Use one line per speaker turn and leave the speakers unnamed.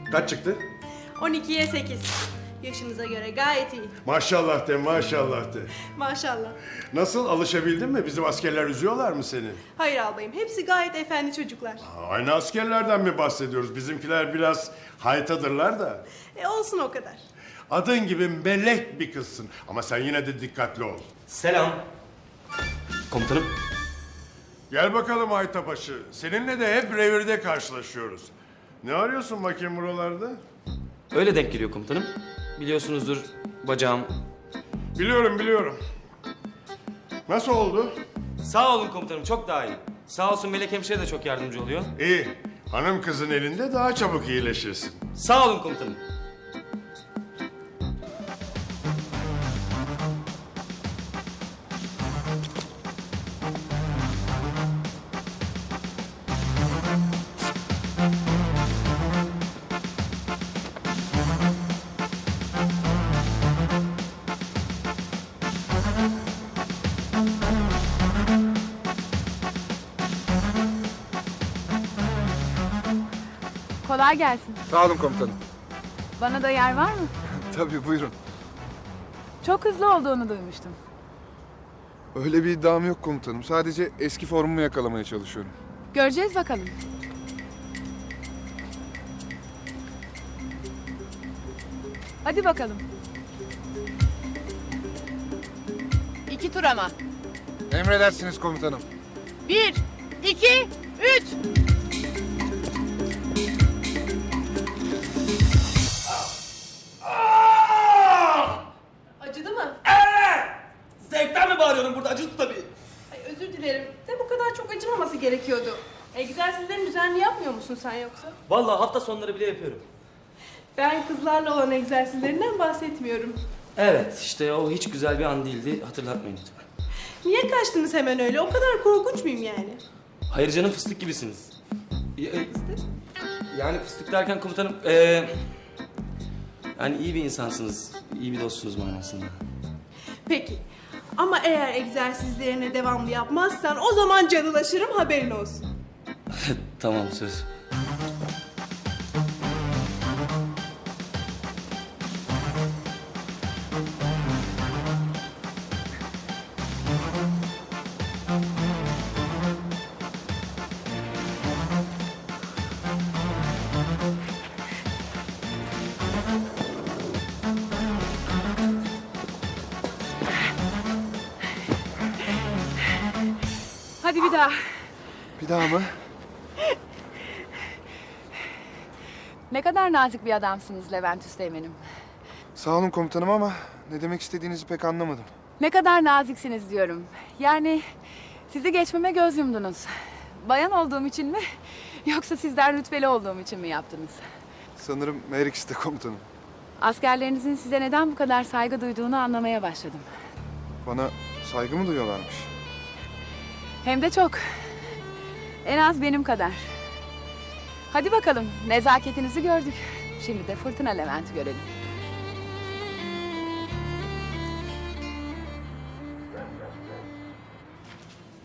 Kaç çıktı?
12'ye 8. Yaşınıza göre gayet iyi.
Maşallah de, maşallah de.
Maşallah.
Nasıl, alışabildin mi? Bizim askerler üzüyorlar mı seni?
Hayır albayım. Hepsi gayet efendi çocuklar.
Aynı askerlerden mi bahsediyoruz? Bizimkiler biraz haytadırlar da.
Olsun o kadar.
Adın gibi melek bir kızsın. Ama sen yine de dikkatli ol.
Selam. Komutanım.
Gel bakalım Haytabaşı. Seninle de hep revirde karşılaşıyoruz. Ne arıyorsun bakayım buralarda?
Öyle denk geliyor komutanım. Biliyorsunuzdur bacağım.
Biliyorum. Nasıl oldu?
Sağ olun komutanım, çok daha iyi. Sağ olsun Melek hemşire de çok yardımcı oluyor.
İyi. Hanım kızın elinde daha çabuk iyileşirsin.
Sağ olun komutanım.
Kolay gelsin.
Sağ olun komutanım.
Bana da yer var mı?
Tabii buyurun.
Çok hızlı olduğunu duymuştum.
Öyle bir iddiam yok komutanım. Sadece eski formumu yakalamaya çalışıyorum.
Göreceğiz bakalım. Hadi bakalım. 2 tur ama.
Emredersiniz komutanım.
1, 2, 3.
Acıdı mı?
Zevkten mi bağırıyorum burada? Acıdı tabii.
Ay, özür dilerim. De bu kadar çok acımaması gerekiyordu. Egzersizlerini düzenli yapmıyor musun sen yoksa?
Vallahi hafta sonları bile yapıyorum.
Ben kızlarla olan egzersizlerinden bahsetmiyorum.
Evet, işte o hiç güzel bir an değildi. Hatırlatmayın lütfen.
Niye kaçtınız hemen öyle? O kadar korkunç muyum yani?
Hayır canım, fıstık gibisiniz. Yani fıstık derken komutanım, yani iyi bir insansınız, iyi bir dostsunuz manasında.
Peki. Ama eğer egzersizlerine devamlı yapmazsan o zaman canılaşırım, haberin olsun.
Tamam, söz.
Hadi bir daha.
Bir daha mı?
Ne kadar nazik bir adamsınız Levent Üsteğmen'im.
Sağ olun komutanım ama ne demek istediğinizi pek anlamadım.
Ne kadar naziksiniz diyorum. Yani sizi geçmeme göz yumdunuz. Bayan olduğum için mi? Yoksa sizden rütbeli olduğum için mi yaptınız?
Sanırım her ikisi de komutanım.
Askerlerinizin size neden bu kadar saygı duyduğunu anlamaya başladım.
Bana saygı mı duyuyorlarmış?
Hem de çok. En az benim kadar. Hadi bakalım, nezaketinizi gördük. Şimdi de Fırtına Levent'i görelim.